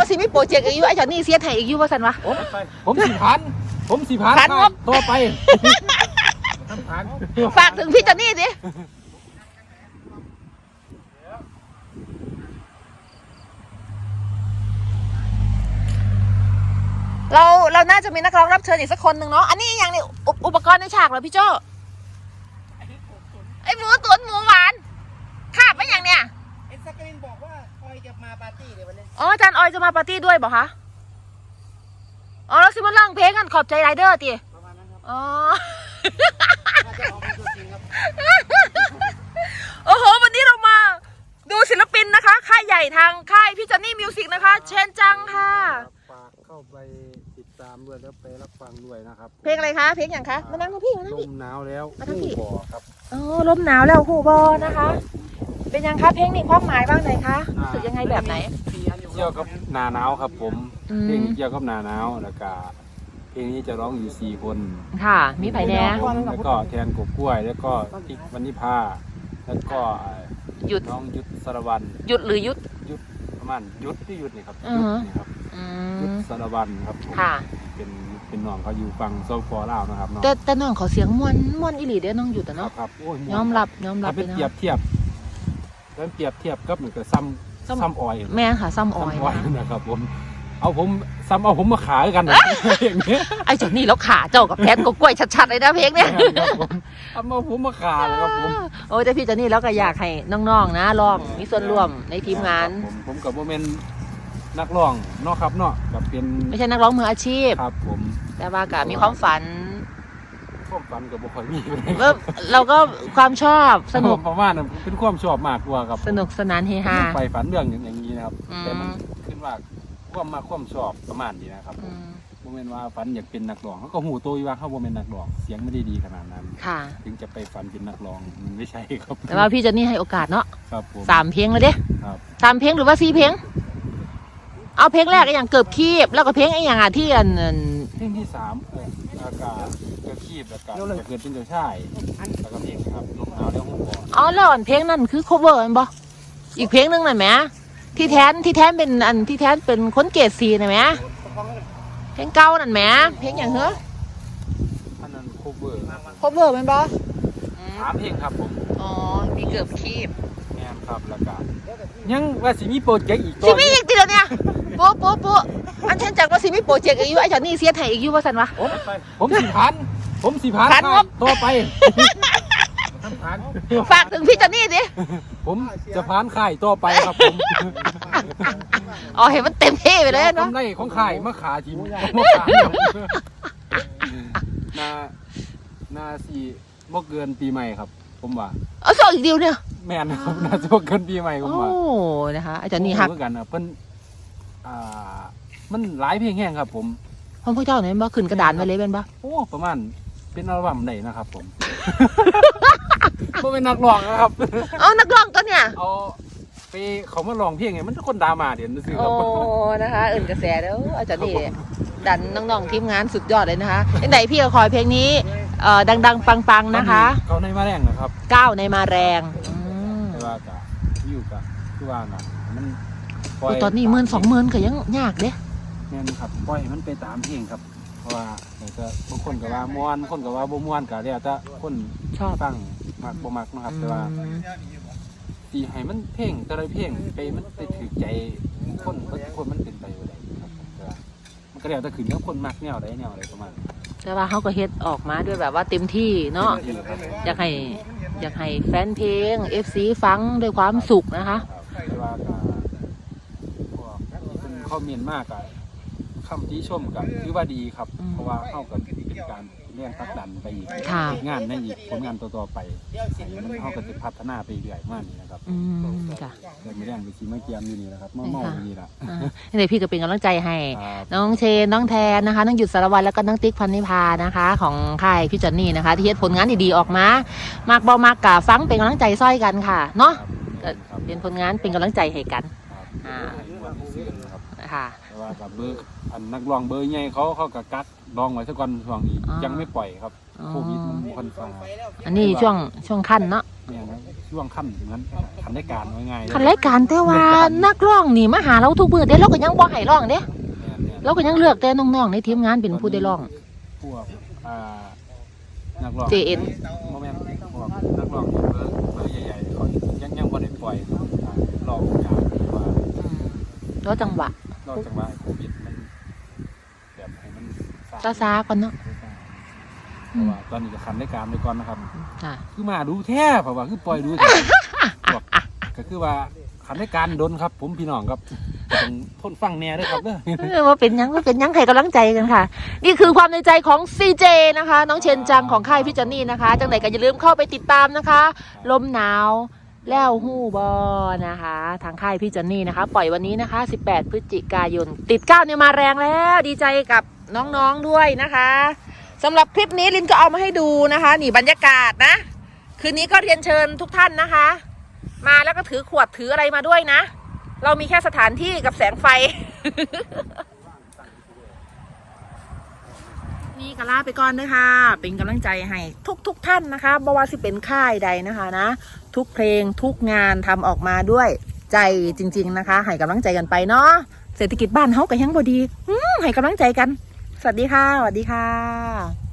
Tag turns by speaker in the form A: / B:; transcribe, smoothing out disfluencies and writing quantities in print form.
A: ว่าสิมีโปรเจกต์อีกอยู่ไอ้จอนนี่เสียไทยอีกอยู่ว่าสันวะ
B: ผมสี่พันต่อไป
A: ฝากถึงพี่จอนนี่สิเราน่าจะมีนักร้องรับเชิญอีกสักคนหนึ่งเนาะอันนี้อย่างนี้อุปกรณ์ในฉากเหรอพี่โจ้ไอหมูตุ๋นหมูหวานขาบไม่อย่างเนี้ย
C: ไอ้สกรินบอกว่าออยจะมาปาร์ตี้เลยวันนี้
A: อ๋ออาจารย์ออยจะมาปาร์ตี้ด้วยบอกคะอ๋อแล้วซิมาร้องเพลงกันขอบใจไรเดอร์ตี
C: ประมาณนั้นครับ
A: อ๋อ
C: น่าจะออกเป็นตัวจริงครับ
A: โอ้โหวันนี้เรามาดูศิลปินนะคะค่ายใหญ่ทางค่ายพี่จอนนี่มิวสิกนะคะเชนจังค่ะ
B: ฝากเข้าไปติดตามด้วยแล้วไปรับฟังด้วยนะครับ
A: เพลงอะไรคะเพลงอย่างคะมานั่งกับพี่มานั่ง
B: ล
A: พี่
B: มหนาวแล้วบ่อครับ
A: อ๋อลมหนาวแล้วหูบอนะคะเป็นยังคะเพลงนี้ความหมายบ้างไหนคะรู้สึกยังไงแบบไหน
B: เกี่ยวกับหนาหนาวครับผมเพลงเกี่ยวกับหนาหนาวแล้วก็เพลงนี้จะร้องอยู่4คน
A: ค่ะมีไผ่แน่
B: แล้วก็แทนกบกล้วยแล้วก็ติ๊กวรรณิภาแล้วก็
A: หยุด
B: น้องยุทธสารวัน
A: หยุดหรือยุด
B: ประมาณยุทธที่ยุทธนี่ครับยุทธนี่ครับยุทธสารวันครับ
A: ค่ะ
B: เป็นน้องเขาอยู่ฝั่งโซฟอร์ลาวนะครับน้อง
A: แต่น้องเขาเสียงม่วนอีหลีเด้น้องหยุดแต่เนาะ
B: ครับ
A: ยอมรับ
B: เป็นเปรียบเทียบกับเหมือนกับซ้ำออย
A: แม่ค่ะซ้ำออย
B: นะครับผมเอาผมมาขายกันอย่างเงี้ย
A: ไอ้เจ้านี่แล้วขาเจ้ากับแพทกกล้วยชัดๆเลยนะเพลงเนี่ย
B: เอาผมมาขายครับผม
A: โอ้แต่พี่เจ้านี่แล้วก็อยากให้น้องๆนะลองมีส่วนร่วมในทีมงาน
B: ผมกับโมเมนต์นักร้องเนาะครับเนาะกับเป็น
A: ไม่ใช่นักร้องมืออาชีพ
B: ครับผม
A: แต่ว่าก็มีความฝัน
B: กับบุคคลมี
A: เราก็ความชอบสนุก
B: ประมาณนั้นเป็นความชอบมากกว่าครับ
A: สนุกสนานเฮฮา
B: ไปฝันเรื่องอย่างนี้นะครับแต่มันขึ้นว่าความชอบประมาณนี้นะครับโมเมนต์ว่าฝันอยากเป็นนักร้องเขาก็หูโตอยู่ว่าเขาโมเมนต์นักร้องเสียงไม่ได้ดีขนาดนั้นถึงจะไปฝันเป็นนักร้องมันไม่ใช่ครับ
A: แต่ว่าพี่เจนนี่ให้โอกาสเนาะ
B: ครับผม
A: 3 เพลงเลยเด้3 เพลงหรือว่า4 เพลงเอาเพลงแรกอย่างเกือบคีบแล้วก็เพลงไอ้อย่างที่
B: เพลงที่3อากาศเกือบคีบอากาศจะเกิดเป็นเจ้าชายแล้วก็เพลงครับลมหนาวแล้วหัว
A: อ๋อแล้วเพลงนั้นคือ cover มันบ่อีกเพลงนึงน่ะแหมที่แทนเป็นที่แทนเป็นคนเกรด4น่ะแหมเพลงเก่านั่นแหมเพลงอย่างเหรอ
B: อันนั้น cover
A: มันบ่
B: 3 เพลงครับผม
A: อ๋อมีเกือบคีบ
B: แม่นครับแล้วก็ยังว่าสิมีโปรเจกต์อีก
A: ตัวสิมีอีกทีเดียวเนี่ยปุ๊อันเช่นจากว่าสิมีโปรเจกต์อีกอยู่ไอ้จอนนี่เสียไทยอีกอยู่ว่าสันวะ
B: ผม4,000ต่อไป
A: ฝากถึงพี่จอนนี่สิ
B: ผมจะพานค่ายต่อไปครับผม
A: อ๋อเห็นมันเต็มที่ไปเลยเนาะ
B: กำไรของค่ายมาขาทีมนาสีบ่เกินปีใหม่ครับผมว่า
A: ส่งอีกเดียวเนี่ย
B: แม่นครับน่าจะบ่เกินปีใหม่ผมว่า
A: โอ้นะคะอาจารย์นี่ฮัก
B: เหมือนกันนะเพิ่นมันหลายเพลงแห้งครับผม
A: พวกเจ้าเนี่ยบ่ขึ้นกระดานไว้เลยเป็นปะ
B: โอ้ประมาณเป็นอัลบั้มไหนนะครับผมเป็นนักร้องนะครับ
A: นักร้องตัวเนี่ย
B: เอาไปเขามาร้องเพลงไงมันคนดราม่าเดี๋ยวซื้อครับ
A: โอ้นะคะอื่นกระแสแล้วอาจารย์นี่ดันน้องๆทีมงานสุดยอดเลยนะคะไหนพี่ก็คอยเพลงนี้ดังๆปังๆนะคะ
B: เขาในมาแรงนะครับ
A: 9ในมาแรง
B: แต่ว่าจะอยู่กับคือว่านะมัน
A: ตอนนี้10,000-20,000ก็ยังยากเด้
B: เนี่ยครับปล่อยมันไปตามเพลงครับเพราะว่าแต่บางคนก็ว่าม่วนคนก็ว่าบ่ม่วนก็แล้วแต่คน
A: ชอบ
B: ฟังมักบ่มักนะครับแต่ว่าตีให้มันเพลงแต่ละเพลงไปมันไปถือใจคนมันเป็นไปบ่ได้ครับแต่ว่ามันก็แล้วแต่ขึ้นกับคนมักแนวใดประมาณ
A: แต่ว่าเขาก็เฮ็ดออกมาด้วยแบบว่าเต็มที่เนาะอยากให้แฟนเพลง FC ฟังด้วยความสุขนะคะ
B: แต่ว่าเป็นคอมเมนต์มากอะคำที่ชมกันคือว่าดีครับเพราะว่าเข้ากับเป็นการเรื่องพักดันไปอีกงานในอีกผลงานต่อไปมันเข้ากับจะพัฒนาไปเรื่อยมากนี่นะครับ
A: จ้ะ
B: มีเรื่องไปชี้มาเกียมอยู่นี่นะครับเมาอยู่นี่แหละ
A: นี่พี่ก็เป็นกำลังใจให้น้องเชนน้องแทนนะคะน้องหยุดสารวัตรแล้วก็น้องติ๊กพันนิพานะคะของค่ายพี่จอนนี่นะคะที่เฮ็ดผลงานดีๆออกมามากบ่มากกะฟังเป็นกำลังใจซ้อยกันค่ะเนาะเป็นผลงานเป็นกำลังใจให้กันค่ะ
B: ว่ากับเบอร์นักร้องเบอร์ใหญ่เขากับกัดลองไว้สักวันช่วงนี้ยังไม่ปล่อยครับโควิดมันค่อนข้าง
A: อันนี้ช่วงขั้นเนาะ
B: เนี่ยช่วงค่ำถึงนั้นทำได้การง่ายๆ
A: คันรายการแต่ว่านักร้องนี่มาหาเราทุกมื้อเด้เราก็ยังบ่ให้ร้องเด้เราก็ยังเลือกแต่น้องๆในทีมงานเป็นผู้ได้ร้อง
B: พวกนักร้อง
A: JN
B: โมเมนต์พวกนักร้องเบอร์ใหญ่ๆเขายังบ่ได้ปล่อยรอบการว่า
A: แล้วจังหวะ
B: รอบจังหวะโควิดมันแบบให้มัน
A: ซาๆก่อนเนาะ
B: เพราะว่าตอนนี้จะคันได้การไปก่อนนะครับ
A: ค่ะ
B: คือมาดูแท้เพราะว่าคือปล่อยดูแท้บอกก็คือว่าคันได้การดนครับ ผมพี่น้องครับต้องทนฟังแน่ด้วยครับเด้อ
A: ว่าเป็นยังให้กำลังใจกันค่ะ นี่คือความในใจของ CJ นะคะ น้องเชนจังของค่ายพี่จอนนี่นะคะ จังไหนก็อย่าลืมเข้าไปติดตามนะคะ ลมหนาวแล้วหู้บอนะคะ ทางค่ายพี่จอนนี่นะคะ ปล่อยวันนี้นะคะ 18 พฤศจิกายน ติด9เนี่ยมาแรงแล้ว ดีใจกับน้องๆด้วยนะคะสำหรับคลิปนี้ลินก็เอามาให้ดูนะคะ นี่บรรยากาศนะ คืนนี้ก็เรียนเชิญทุกท่านนะคะ มาแล้วก็ถือขวดถืออะไรมาด้วยนะ เรามีแค่สถานที่กับแสงไฟ นี่ก็ลาไปก่อนด้วยค่ะ เป็นกำลังใจให้ทุกท่านนะคะบ่ว่าสิเป็นค่ายใดนะคะนะ ทุกเพลงทุกงานทำออกมาด้วยใจจริงๆนะคะ ให้กำลังใจกันไปเนาะ เศรษฐกิจบ้านเฮาก็ยังบ่ดีให้กำลังใจกัน สวัสดีค่ะ สวัสดีค่ะ